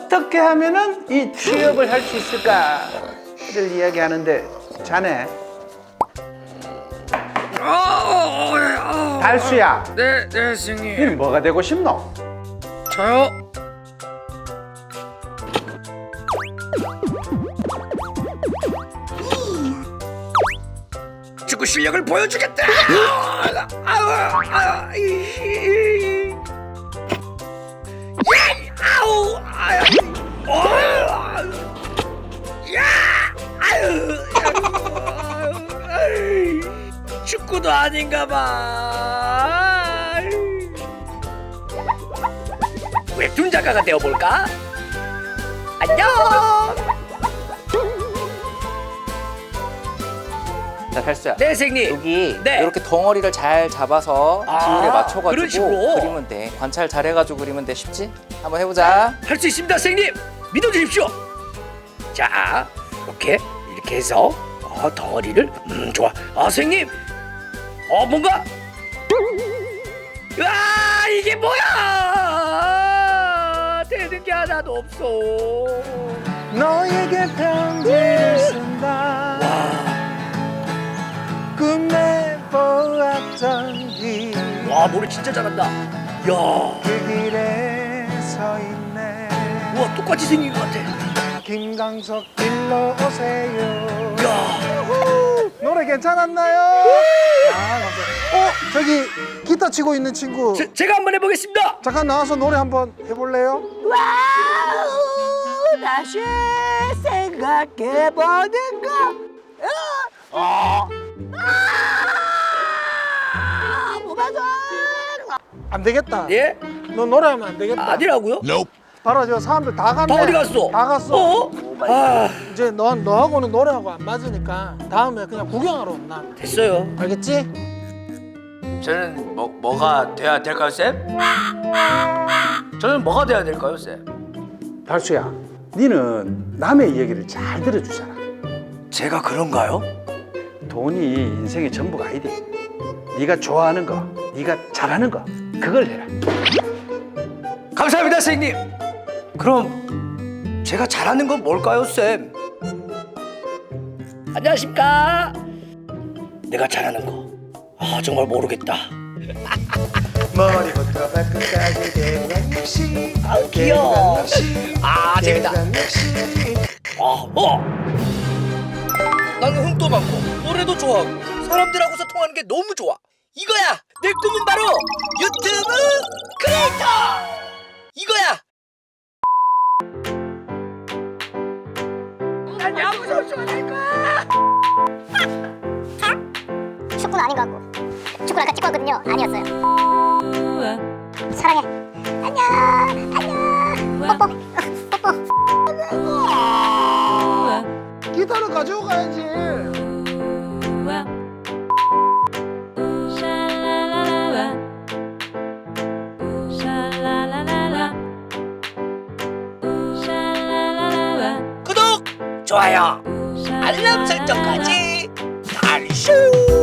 어떻게 하면은 이 취업을 할 수 있을까를 이야기하는데 자네 달수야, 네, 선생님. 니 뭐가 되고 싶노? 저요? 축구 실력을 보여주겠다. 축구도 아닌가봐. 웹툰 작가가 되어볼까? 안녕. 자, 달수야. 네, 선생님. 여기 네. 이렇게 덩어리를 잘 잡아서 기울에 그런 맞춰가지고 식으로? 그리면 돼. 관찰 잘해가지고 그리면 돼. 쉽지? 한번 해보자. 할 수 있습니다, 선생님. 믿어주십시오. 자, 이렇게 해서 덩어리를 좋아. 선생님. 뭔가. 아, 이게 뭐야? 되는 게 하나도 없어. 너에게 편지를 쓴다. 꿈에 보았던 길. 와, 노래 진짜 잘한다. 야, 그 길에 서 있네. 와, 똑같이 생긴 것 같아. 김광석 일로 오세요. 야, 노래 괜찮았나요? 감사합니다. 저기 기타 치고 있는 친구 제가 한번 해보겠습니다. 잠깐 나와서 노래 한번 해볼래요? 와우, 다시 생각해보는가. 무반성. 안 되겠다. 예? 너 노래하면 안 되겠다. 아니라고요? 바로 저 사람들 다 갔네. 다 어디 갔어? 다 갔어. 아, 이제 너하고는 노래하고 안 맞으니까 다음에 그냥 구경하러 온나. 됐어요. 알겠지? 저는 뭐가 돼야 될까요, 쌤? 저는 뭐가 돼야 될까요, 쌤? 달수야, 니는 남의 이야기를 잘 들어주잖아. 제가 그런가요? 돈이 인생의 전부가 아니대. 네가 좋아하는 거, 네가 잘하는 거, 그걸 해라. 감사합니다, 선생님. 그럼 제가 잘하는 건 뭘까요, 쌤? 안녕하십니까? 내가 잘하는 거. 정말 모르겠다. 머리부터 발끝까지 대왕역시 귀여워. 재밌다. 대왕역시 나는 흥도 많고 노래도 좋아하고 사람들하고서 통하는 게 너무 좋아. 이거야. 내 꿈은 바로 유튜브 크리에이터. 이거야. 난 야구 선수가 될 거야. 축구는 아닌 것 같고 축구를 아까 찍고 왔거든요. 아니었어요. 사랑해. 안녕. 뽀뽀. 기타를 가지고 가야지. 구독, 좋아요, 알람 설정까지 달쇼.